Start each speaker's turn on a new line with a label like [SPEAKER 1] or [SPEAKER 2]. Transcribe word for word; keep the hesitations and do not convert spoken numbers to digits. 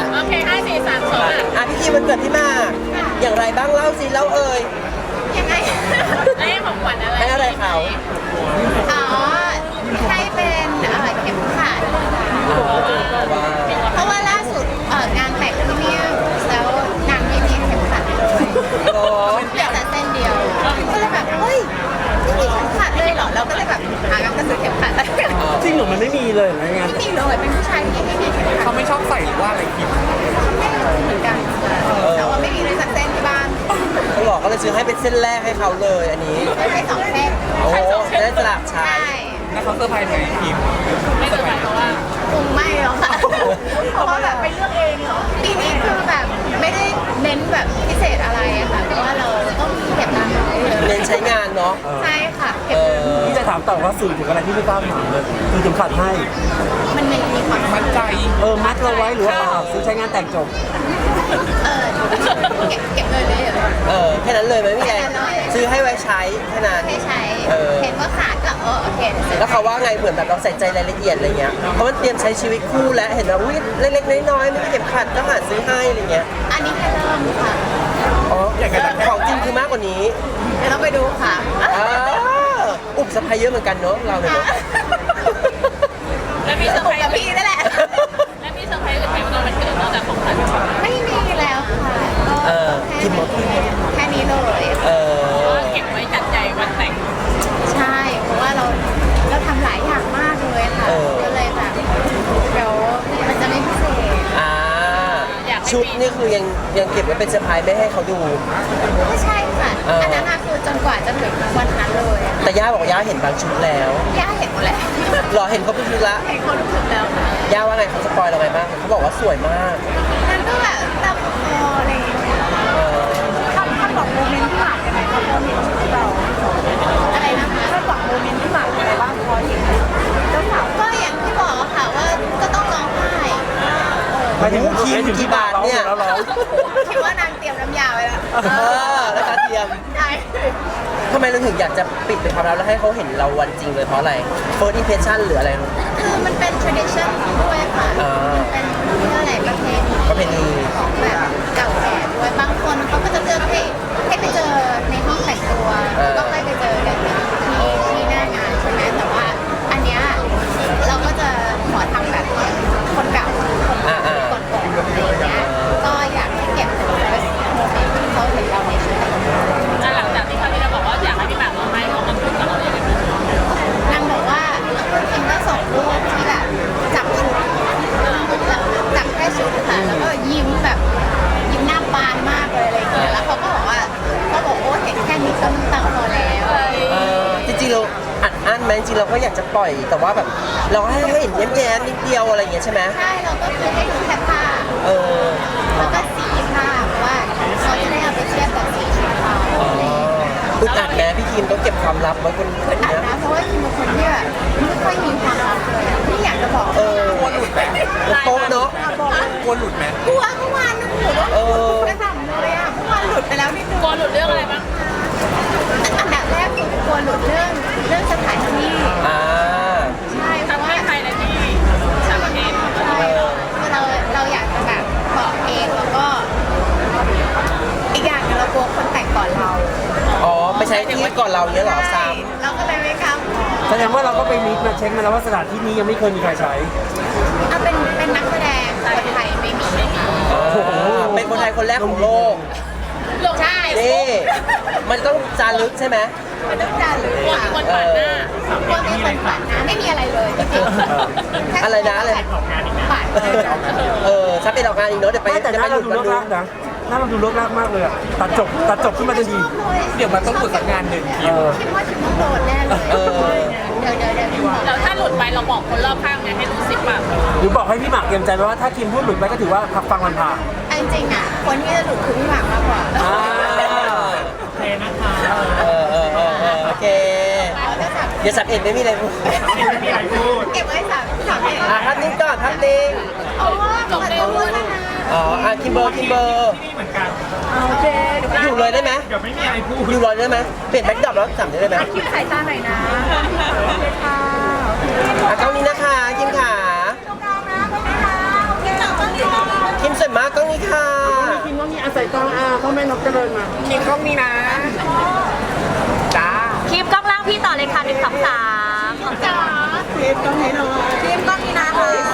[SPEAKER 1] โอเคห้าสี่สามสอง
[SPEAKER 2] อ่ะพี่คิมวันเกิดพี่มากอย่างไรบ้างเล่าสิเล่าเอ่ย
[SPEAKER 1] ยังไงให้ของขวัญอะไร
[SPEAKER 2] ให้อะไรเขา
[SPEAKER 1] อ๋อให้เป็นเอ่อเข็มขัดเพราะว่าล่าสุดเอ่องานแต่งที่เนี่ยแล้วนางไม่มีเข็มขัดเลย
[SPEAKER 2] โอ้
[SPEAKER 1] เหลือแต่เส้นเดียวก็เลยแบบเฮ้ยไม่มีเข็มขัดเลยเหรอเราก็เลยแบบหากันจะซื้อเข็มขัดไม่
[SPEAKER 3] จริงเหรอมันไม่มีเลยเหรอไง
[SPEAKER 1] มีเลยเป็นผู้ชายที่ไม่มีเข็มขัด
[SPEAKER 4] เขาไม่ชอบใส่หรือว่าอะไรคิด
[SPEAKER 1] ไม่รู้เหมือนกันแต่ว่าไม่มีเลยสักเส้นที่บ้าน
[SPEAKER 2] เขาบอกก็เลยซื้อให้เป็นเส้นแรกให้เขาเลยอันนี้
[SPEAKER 1] ไม่ใช่สองเส้น
[SPEAKER 2] โอ้จะได้สลับใช้
[SPEAKER 1] ใช่
[SPEAKER 4] แล้วเขาเซอร์ไพรส์ไหมคิม
[SPEAKER 1] ไม่เซอร์ไพรส์เพราะว่าคงไม่หรอกค่ะเพราะว่าแบบไปเลือกเองเหรอปีนี้คือแบบไม่ได้เน้นแบบพิเศษอะไรอะค่ะเพราะว่าเราต้องเก็บตังค์ไว้เยอะ
[SPEAKER 2] เน้นใช้งานเนาะ
[SPEAKER 1] ใช่ค่ะเก็
[SPEAKER 2] เอบ
[SPEAKER 1] เงิน
[SPEAKER 2] อ
[SPEAKER 3] พี่จะถามต่อว่าสื่อถึงอะไรที่ไม่กล้าถามเลยคือถึงขัดให้
[SPEAKER 1] มันมีมีความ
[SPEAKER 4] มั่นใจ
[SPEAKER 3] เออมัดเราไว้หรือว่าเปล่าซื้อใช้งานแต่งจบ
[SPEAKER 1] เออเก็บเก็บเงินเลยเหรอ
[SPEAKER 2] เออแค่นั้นเลยไหมพี่แดงซื้อให้ไว้ใช้แค่นั้น
[SPEAKER 1] ให้ใช้
[SPEAKER 2] เออ
[SPEAKER 1] เห็นว่าขาดก็เออโอเคเดี๋ยวซื้อ
[SPEAKER 2] แล้วเขาว่าไงเหมือนแบบเราใส่ใจรายละเอียดอะไรเงี้ยเพราะมันเตรียมใช้ชีวิตคู่แล้วเห็นว่าวิเล็กๆน้อยๆไม่ได้เก็บขัดก็หาซื้อให้อะไรเงี้ย
[SPEAKER 1] อันนี้แค่เริ่มค่ะ
[SPEAKER 2] อ๋อของจริงคือมากกว่านี้
[SPEAKER 1] เดี๋ยวเราไปดูค่ะ
[SPEAKER 2] อ่าอุบสะพายเยอะเหมือนกันเนาะเราเนี่ยเนอะ
[SPEAKER 1] แล้วมีเซอร์ไพรส์กับพี่นั่นแหละ
[SPEAKER 5] แล้วมีเซอร์ไพรส์อื่นไหมวันนี้มันเกิดนอกจากของขวัญ
[SPEAKER 1] ไม่มีแล้วค่ะก็
[SPEAKER 2] เออ
[SPEAKER 1] แค่
[SPEAKER 2] กินหมด
[SPEAKER 1] แค่นี้เลย
[SPEAKER 2] เออ
[SPEAKER 5] เก็บไว้จัดใจวันแต่ง
[SPEAKER 1] ใช่เพราะว่าเราเราทำหลายอย่างมากเลยค่ะก็เลยแบบเดี๋ยวมันจะไม่พิเศษ
[SPEAKER 2] อ่าชุดนี่คือยังยังเก็บไว้เป็นเซอร์ไพรส์ไม่ให้เขาดู
[SPEAKER 1] ไม่ใช่ค่ะ
[SPEAKER 2] เอออั
[SPEAKER 1] อันนั้นน่ะคือจนกว่าจะถึงวันนั้นเลยอะ
[SPEAKER 2] แต่ย่าบอกย่าเห็นบางชุดแล้ว
[SPEAKER 1] ย่าเห็นหมดแล้ว
[SPEAKER 2] หรอเห็นเขาเป็นชุดละ
[SPEAKER 1] เห็นคนทุกคนแล้วค่ะ
[SPEAKER 2] ย่าว่าไงเขาสปอยเราไงบ้างเขาบอกว่าสวยมาก
[SPEAKER 1] นั่นก็แบบตามคออะไรอย่างเงี้ย
[SPEAKER 2] เออ
[SPEAKER 1] คำคำบอกโมเมนต์ที่หมากยังไงคะพอเห็นชุดเราอะไรนะคะคำบอกโมเมนต์ที่หมากยังไงบ้างพอเห็นเจ้าสาวก็อย่างที่บอกอะค่ะว่าก็ต้องร้องไห้
[SPEAKER 3] ไปถึง
[SPEAKER 2] คิม
[SPEAKER 3] ไปถึง
[SPEAKER 2] กี่บาทเนี่ย
[SPEAKER 3] แล้วร้อง
[SPEAKER 1] คิดว่านางเตรียมน้ำยาไว้แล้ว
[SPEAKER 2] เออแล้วก็เตรียม
[SPEAKER 1] ใช่
[SPEAKER 2] ทำไมเราถึงอยากจะปิดเป็นความลับแล้วให้เขาเห็นเราวันจริงเลยเพราะอะไร first impression หรืออะไร
[SPEAKER 1] คือมันเป็น tradition ด้วยค่ะ
[SPEAKER 2] อ่า
[SPEAKER 1] เป็นเรื่องอะไรประเพณี
[SPEAKER 2] ประเพณี
[SPEAKER 1] ของแบบเก่าแก่ด้วยบางคนเขาก็จะเลือกให้ให้ไปเจอในห้องแต่งตัวแล้วก็ค่อยไปเจอกันที่ที่หน้างานใช่ไหมแต่ว่าอันเนี้ยเราก็จะขอทำแบบคนเก่าคน
[SPEAKER 2] อ่าอ่า
[SPEAKER 1] ก่อนๆอะไรอย่างเงี้ยก็อยากให้เก็บเป็นโมเมนต์ที่เขาเห็นเราในชีวิต
[SPEAKER 5] อ่ะหลังจากที่คราวที่เราบอกว่าอยากให้พี่หมากร้องไห้เขามาพูดกับเราอย่างไรบ้าง
[SPEAKER 1] นางบอกว่าคิมก็ส่งรูปที่แบบจับชุดจับแค่ชุดค่ะแล้วก็ยิ้มแบบยิ้มหน้าบานมากเลยอะไรอย่างเงี้ยแล้วเขาก็บอกว่าเขาบอกโอ้เห็นแค่นี้ก็น้ำตาคลอแล้ว
[SPEAKER 2] เออจริงๆเราอัดอั้นไหมจริงๆเราก็อยากจะปล่อย แต่ว่าแบบเราให้ให้เห็นแย้มๆนิดเดียวอะไรอย่างเงี้ยใช่ไหม
[SPEAKER 1] ใช่เราก็คือให้ดูแค่ผ้า
[SPEAKER 2] เออ
[SPEAKER 1] แล้วก็สีผ้าเพราะว่าเขาจะได้เอาไปเทียบกับสีชุดเขาอะไรอย่างเงี้ย
[SPEAKER 2] อึดอัดนะพี่คิมต้องเก็บความลับไว้คนคน
[SPEAKER 1] อัด
[SPEAKER 2] เนี้ย
[SPEAKER 1] นะเพราะว่าคิมเป็นคนที่แบบไม่ค่อยมีความลับเลยอะไม่อยากจะบอก
[SPEAKER 2] เออ
[SPEAKER 4] กลัวหลุดไหม
[SPEAKER 2] โต๊ะเนาะ
[SPEAKER 4] กลัวหลุดไหม
[SPEAKER 1] กลัวเมื่อวานนึกหูว่า
[SPEAKER 2] เออ
[SPEAKER 1] กระหน่ำเลยอ่ะเมื่อวานหลุดไปแล้วนิดนึง
[SPEAKER 5] กลัวหลุดเรื่องอะไรบ้าง
[SPEAKER 1] อันดับแรกคือกลัวหลุดเรื่องเรื่องสถานที่
[SPEAKER 2] อ่า
[SPEAKER 1] ใช่เพราะ
[SPEAKER 5] ทำ
[SPEAKER 1] ว่า
[SPEAKER 5] ให้ภายในที่ต่างประเทศ
[SPEAKER 1] ใช่คือเราเราอยากจะแบบบอกเองแล้วก็อีกอย่างหนึงเรากลัวคนแต่งก่อนเรา
[SPEAKER 2] อ๋อไปใช้ที่ก่อนเราเนี้ยเหรอซ้
[SPEAKER 1] เราก็เลยไม่กล้าบอก
[SPEAKER 3] แสดงว่าเราก็ไปลิสต์มาเช็คมาแล้วว่าสถานที่นี้ยังไม่เคยมีใครใช้
[SPEAKER 1] เอาเป็นเป็นนักแสดงคนไทยไม่มีไม่มี
[SPEAKER 2] ำอ่าเป็นคนไทยคนแรกของโลก
[SPEAKER 1] ใช่
[SPEAKER 2] นี่มันต้องจารึกใช่ไหม
[SPEAKER 1] มันต้องจารึก
[SPEAKER 5] กลัว
[SPEAKER 1] ค่ะ
[SPEAKER 5] มีคนผ่านหน้า
[SPEAKER 1] กลัวมีคนผ่านนะไม่มีอะไรเลยจริงๆแค่
[SPEAKER 2] อะไรนะอะไร
[SPEAKER 1] ผ่านเลย
[SPEAKER 2] เออถ้าเป็นออกงานอีกเนาะเดี๋ยวไป
[SPEAKER 3] ไม่แต่ห
[SPEAKER 2] จะไป
[SPEAKER 3] น้า
[SPEAKER 2] ห
[SPEAKER 3] เรา
[SPEAKER 2] ยุด
[SPEAKER 3] ดู
[SPEAKER 2] มัน
[SPEAKER 3] เลิก
[SPEAKER 2] ดู
[SPEAKER 3] ลากนะหน้าเราดูเลิกลากมากเลยอะตัดจบตัดจบขึ้นมาทันที
[SPEAKER 1] ชอบเลย
[SPEAKER 4] เดี๋ยวมันต้องหลุดสักงานหนึ่งคิ
[SPEAKER 3] เอ
[SPEAKER 4] ม
[SPEAKER 3] อ
[SPEAKER 1] คิดว่าคิดว่าโดนแน่เลย
[SPEAKER 2] เออ
[SPEAKER 1] เดี๋ยวเดี๋ยวเดี๋ยวคิดว่า
[SPEAKER 5] แล้วถ้าหลุดไปเราบอกคนรอบข้างไงให้รู้สิบแบบ
[SPEAKER 3] หรือบอกให้พี่หมากเตรียมใจไว้ว่าถ้าคิมพูดหลุดไปก็ถือว่าพักฟังมันผ่าน
[SPEAKER 1] จริงๆอ่ะคนที่จะหลุดคือพี่หมากมากกว่า
[SPEAKER 3] อ่า
[SPEAKER 2] เออเออเออเออโอเค
[SPEAKER 1] เราจะสับ
[SPEAKER 2] เดี๋ยวสับเอ็ดไม่มีอะไรพูด
[SPEAKER 1] เก็บไว้สับสับเอง
[SPEAKER 2] อ่ะทับนิ้งก่อนทับนิ้ง
[SPEAKER 1] เอาว่าจบเลยพูดนะคะ
[SPEAKER 2] อ๋ออ่ะคิมเบอร์คิมเบอร์
[SPEAKER 1] โอเค
[SPEAKER 2] อยู่เลยได้ไหม
[SPEAKER 4] เดี๋ยวไม่มีอะไรพูด
[SPEAKER 2] อยู่เลยได้ไหมเปลี่ยนแบ็คดรอปแล้วสับได้ไหม
[SPEAKER 1] คิดสายตาหน่อยนะโอเคค่ะ
[SPEAKER 2] อ่ะกล้องนี้นะคะคิมขา
[SPEAKER 1] ตรงกลางนะตรงนี้นะโอเคจับต้องดีนะ
[SPEAKER 2] คิมพ่อแม่นกเจริญมาคิมกล้องนี้นะจ้า
[SPEAKER 5] คลิปกล้องล่างพี่ต่อเลยค่ะหนึ่งสองสาม
[SPEAKER 1] จ๋า
[SPEAKER 2] คิมกล้องนี้หน่อย
[SPEAKER 1] ทีมก็มีนะคะ